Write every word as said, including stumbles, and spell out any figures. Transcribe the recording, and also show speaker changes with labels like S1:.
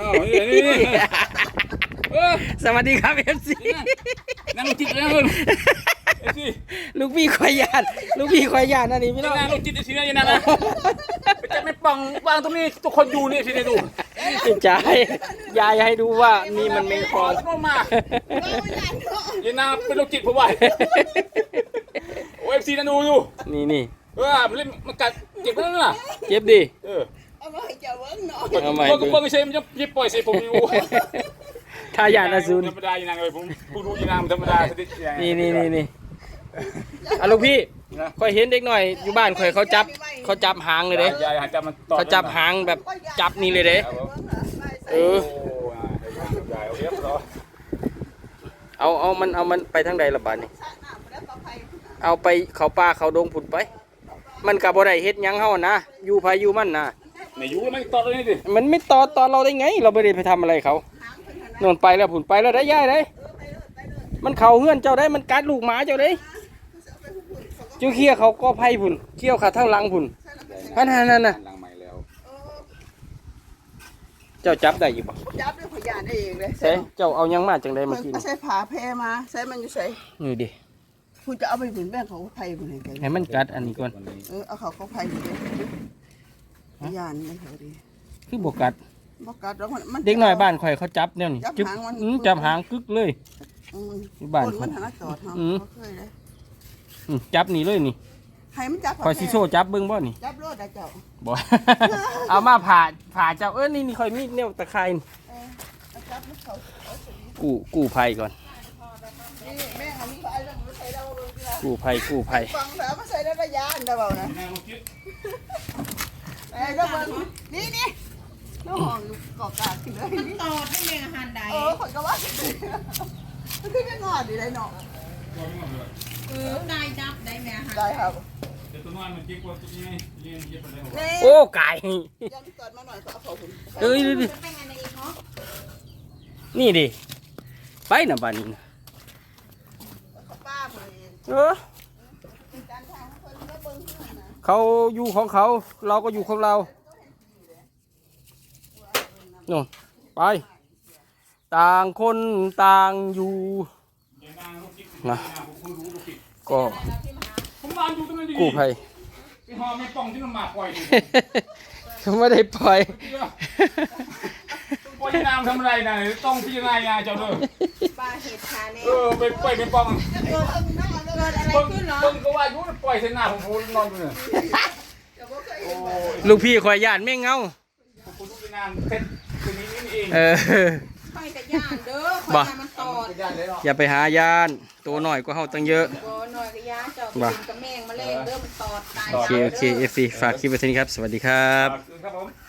S1: สวัสดีครับเอฟซี
S2: นั่งจิตแล้วคุณ
S1: ลูกพี่ควายยานลูกพี่ควายยานนั่นนี่พี่น้อง
S2: นั่งจิตทีนั้นยังนะจะไม่ปังวางตรงนี้ทุกคนอยู่นี่ทีนี้ดู
S1: จ่ายยายให้ดูว่านี่มันไม่พอ
S2: มายันนาเป็นลูกจิตผมว่าโอเอฟซีนั่นดูอยู่
S1: นี่นี่
S2: เออมันเล่นมันกัดเจ็บนั่นน่ะ
S1: เจ็บดิ
S2: เออ
S3: เอามาให้เจ้าเบิ้งหน่อย
S2: เอาใหม่ก็ก็ไม่ใช่มันจะยิบปล่อยใส่ผมอยู่
S1: ทายาทอสูร
S2: ธรรมดาอย่างไรผมผู้รู้อย่างไรธรรมดา
S1: นี่นี่นี่นี่อ่ะลูกพี่ค่อยเห็นเด็กหน่อยอยู่บ้านค่อยเขาจับเขาจับหางเลยเด้เขาจับหางแบบจับนี่เลยเด้เออเอาเอามันเอามันไปทางใดละบาดนี่เอาไปเขาป่าเขาดงผุดไปมันกับบ่ได้เฮ็ดยังเฮานะอยู่ภายอยู่มันนะ
S2: ไม่อยู่มันตอดเลยดิ
S1: มันไม่ตอดตอนเราได้ไงเราไม่ได้ไปทำอะไรเขาโน่นไปแล้วผุนไปแล้วได้ย่ายได้มันเข่าเฮือนเจ้าได้มันกัดลูกหมาเจ้าได้จิ้วเขี้ยเขาก็ไพ่ผุนเขี้ยวขาเท่าลังผุนนั่นนั่นน่ะเจ้าจับได้อยู่ปะ
S3: จับด้วยพยานเองเลย
S1: ใช่เจ้าเอายังมาจังได้เมื่อกี้
S3: ใส่ผ้าแพรมาใส่มันอยู่ใส่
S1: นี่ดิ
S3: คุณจะเอาไปผุนแม่เขาไพ่ผุนให้
S1: ให้มันกัดอันนี้ก่อน
S3: เออเอาเขาเขาไพ่ผุนพยานไม่เขาดี
S1: คือบกัด
S3: บกัดแล้วมัน
S1: เด็กน้อยบ้านข่อยเขาจับเนี่ยนี่จับหางมันจับหางกึกเลยบ้าน
S3: มันถนัดจอด
S1: จับนี่เลยนี่
S3: ให้มันจับ
S1: ข่อยซิโซ่จับเบิ้งบ่นี่
S3: จับรถได้เจ้า
S1: บ่เอามาผ่าผ่าเจ้าเออนี่นี่ข่อยมีแนวตะไคร้กู้กู้ภัยก่อนกู้ภัยกู้ภัย
S3: ฟังแล้วมาใส่ได้ระยะอันเดียวนะไอ้เรื่องนี่นี่น้องหองกอกาขึ้นเลย
S4: ตอดให้แม่อาหารใด
S3: เออคนก็ว่าขึ้นมันขึ้นไม่งอดีได้หนอ
S4: เออได้จับได้แม่อาหาร
S3: ได้ครับ
S1: โอ้ไก่
S3: ยังเกิดมาหน่อยก็เอาเขาคุณ
S1: เอ้ยดินี่ดิไปนะบ้านนี้เออเขาอยู่ของเขาเราก็อยู่ของเราโน่นไปต่างคนต่างอยู่นะก็กู้ภัยเขาไม่ได้ปล่อย
S2: ปล่อยน้ำทำอะไรนะต้องพิจารณาเจ้าเด้อ
S4: ปลาเห็ดขาเนี่ย
S2: เออไปปล่อยเป็นปอง
S4: เกิดอะไรขึ้นเหรอ
S2: ต้นก็ว่ายุ่งปล่อยเส้นหน้าผมพูดนอนอยู่เนี่ย
S1: ลูกพี่คอยย่านไม่เงา
S2: คุณรู้งานเซ็ตตัวนี้นี่เอง
S1: เออ
S4: ไปแต่ย่านเด้อคอยมันตอด
S1: อย่าไปหายานตัวหน่อยก็เฮาตั้งเยอะ
S4: ตัวหน่อยก็ย่าเจ้าเป็นกระแมงมาเล่นเด้อมันตอดตาย
S1: โอเคโอเคเอฟซีฝากคลิปไว้ที่นี่ครับสวัสดีครับ